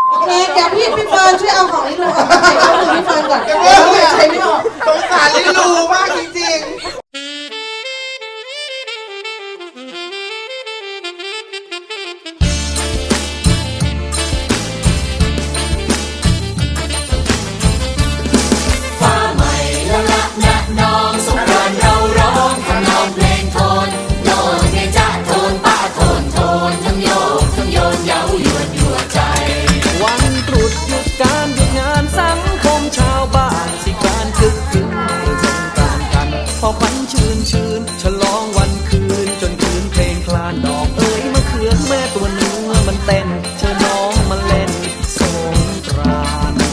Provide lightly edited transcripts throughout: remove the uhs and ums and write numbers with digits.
โอเคเดี๋ยวพี่เฟิร์นช่วยเอาของลิลูออกไปใส่ข้อมือพี่เฟิร์นก่อนเดี๋ยวใช้ไม่ออกสงสารลิลูมากจริงพอควันชื่นฉลองวันคืนจนคืนเพลงคลานดอกเอ๋ยมะเขือแม่ตัวเนื้อมันเต้นเชิญน้องมาเล่นสงกรานต์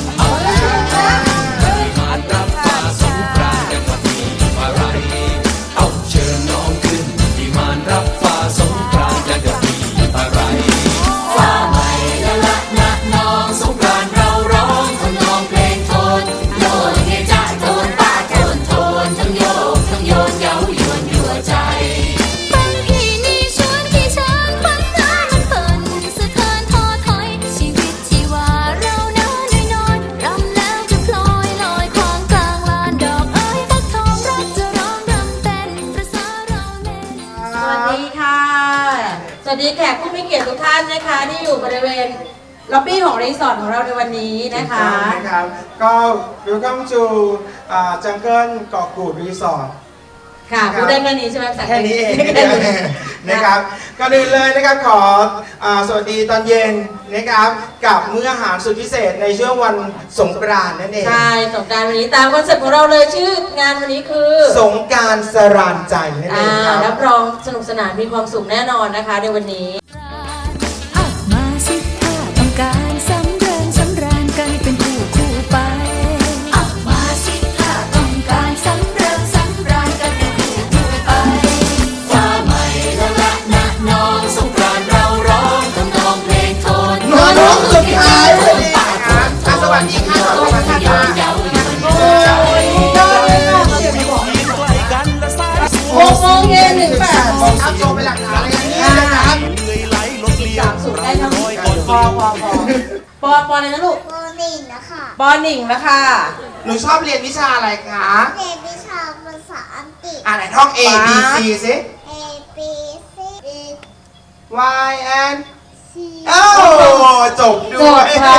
มารับฟ้าสงกรานต์กันมาทีอะไรเอาเชิญน้องขึ้นที่มานรับฟ้าสงกรานต์กันกับพี่อะไรฟ้าใหม่ละละนะน้องสงกรานต์เราร้องทำนองเพลงโทนโยนเฮจ้าโทนป้าโทนโทนทั้งโยกทั้งโยนเย้ายวนยั่วใจฟังพี่นี่ชวนที่ช้างฟังน้ำมันเปิ่นสะเทือนท้อถอยชีวิตที่ว่าเราน้อยน้อยรำแล้วจะพลอยลอยควางกลางลานดอกเอ้ยฟักทองรักจะร้องรำเต้นประสาเราเล่นสวัสดีค่ะสวัสดีแขกผู้มีเกียรติทุกท่านนะคะที่อยู่บริเวณล็อบบี้ของรีสอร์ทของเราในวันนี้นะคะนะครับก็ Welcome to Jungle เกาะกูดรีสอร์ทค่ะพูดได้แค่นี้ใช่ไหมแค่นี้เองนะครับก่อนอื่นเลยนะครับขอสวัสดีตอนเย็นนะครับกับมื้ออาหารสุดพิเศษในช่วงวันสงกรานต์นั่นเองใช่สงกรานต์วันนี้ตามคอนเซ็ปต์ของเราเลยชื่องานวันนี้คือสงกรานต์สรานใจนั่นเองครับรับรองสนุกสนานมีความสุขแน่นอนนะคะในวันนี้มาสิถ้าต้องการสำเริงสำราญกันเป็นคู่ไปมาสิถ้าต้องการสำเริงสำราญกันเป็นคู่ไปฟ้าใหม่ละละนะน้องสงกรานต์เราร้องทำนองเพลงโทนน้องสุดท้ายวันนี้ครับสวัสดีค่ะสวัสดีค่ะ 6 โมงเย็นถึง8 โมงเอาโชว์ไปหลักฐานเลยนี่นะครับ 3 สุดได้ทั้งพอเลยนะลูกปหนึ่งนะคะป.1แล้วค่ะหนูชอบเรียนวิชาอะไรคะเรียนวิชาภาษาอังกฤษไหนท่อง A B C สิ A B C D Y and C โอ้จบด้จวบยค่ะ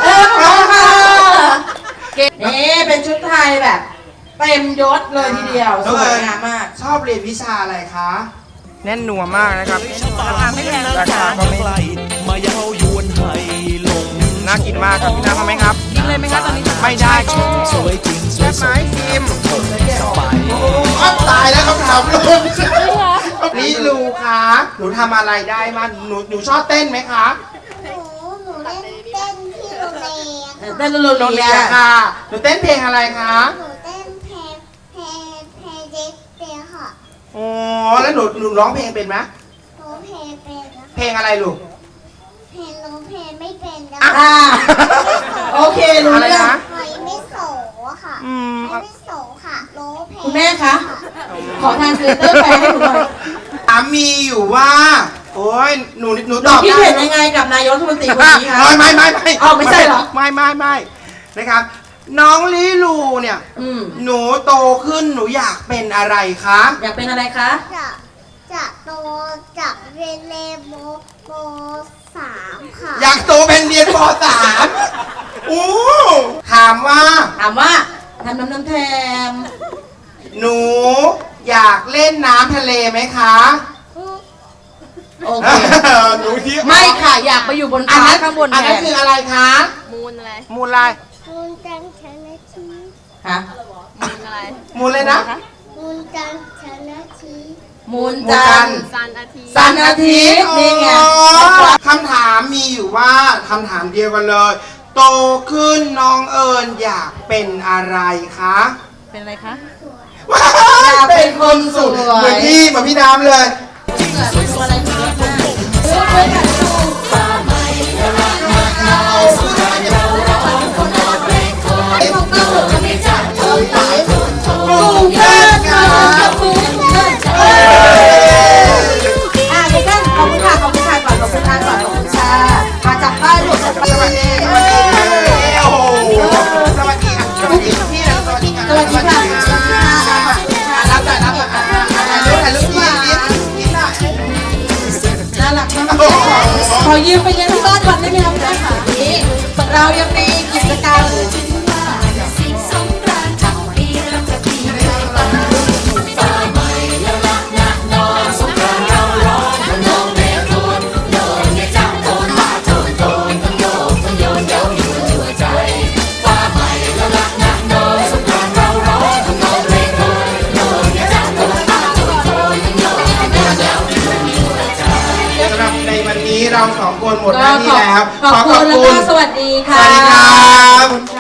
นี่เป็นชุดไทยแบบเต็มยศเลยทีเดียวสวยงามมากชอบเรียนวิชาอะไรคะแน่นหนัวมากนะครับราคาก็ไม่มาเย้ายวนให้ลงน่ากินมากครับพี่น้ำทำไหมครับกินเลยไหมคะตอนนี้ไม่ได้สวยจริงสวยสดซิมสบายตายแล้วคำถามลุงนี่ลูคะหนูทำอะไรได้มาหนูชอบเต้นไหมคะหนูเล่นเต้นที่โรงเรียนเต้นโรงเรียนค่ะหนูเต้นเพลงอะไรคะหนูเต้นเพลงเด็กเปียค่ะอ๋อแล้วหนูร้องเพลงเป็นไหมร้องเพลงเป็นนะเพลงอะไรลูกเพลงร้องเพลงไม่เป็นนะโอเครู้เรื่องไม่โสค่ะไม่โสค่ะร้องเพลงคุณแม่คะขอทางเทเตอร์แปลให้หนูหน่อยมีอยู่ว่าโอ้ยหนูตอบคิดเห็นยังไงกับนายกรัฐมนตรีคนนี้คะไม่ไม่ใช่เหรอไม่นะครับน้องลิลูเนี่ยหนูโตขึ้นหนูอยากเป็นอะไรคะอยากเป็นอะไรคะจะโตจากเรียนเลโม3ค่ะอยากโตเป็นเรียนป.3 โอ้ถามว่าทำน้ำแทมหนูอยากเล่นน้ำทะเลไหมคะโอเคหนูที่ไม่ค่ะอยากไปอยู่บนฟ้าข้างบนอันนั้นคืออะไรคะมูลอะไรมูลอะไรมูลจันทร์ชนะชีฮะมูลอะไรมูลเลยนะมูลจันทร์ชนะชีมูลจันทร์สันอาทิตย์นี่ไงคำถามมีอยู่ว่าคำถามเดียวกันเลยโตขึ้นน้องเอิญอยากเป็นอะไรคะเป็นอะไรคะอยากเป็นคนสวยเหมือนพี่น้ำเลยขอบคุณค่ะก่อนขอบคุณค่ะมาจากป้ายหลวงยืมไปเลี้ยงที่บ้านก่อนได้ไหมครับแม่ค่ะนี่เรายังมีกิจกรรมสิ่งสงกรานต์ทั้งปีเราจะปีเรื่อยไปฟ้าใหม่แล้วละนะน้องสงกรานต์เราร้องทำนองเรียกคนโยนให้จับโทนมาโทนโทนทั้งโยกทั้งโยนเย้าอยู่ทั่วใจฟ้าใหม่แล้วละนะน้องสงกรานต์เราร้องทำนองเรียกคนโยนให้จับโทนมาโทนโทนทั้งโยกทั้งโยนเย้าอยู่ทั่วใจสำหรับในวันนี้เราสองคนหมดหน้าที่แล้วขอบคุณแล้วก็สวัสดีสค่ะวัสดีครับ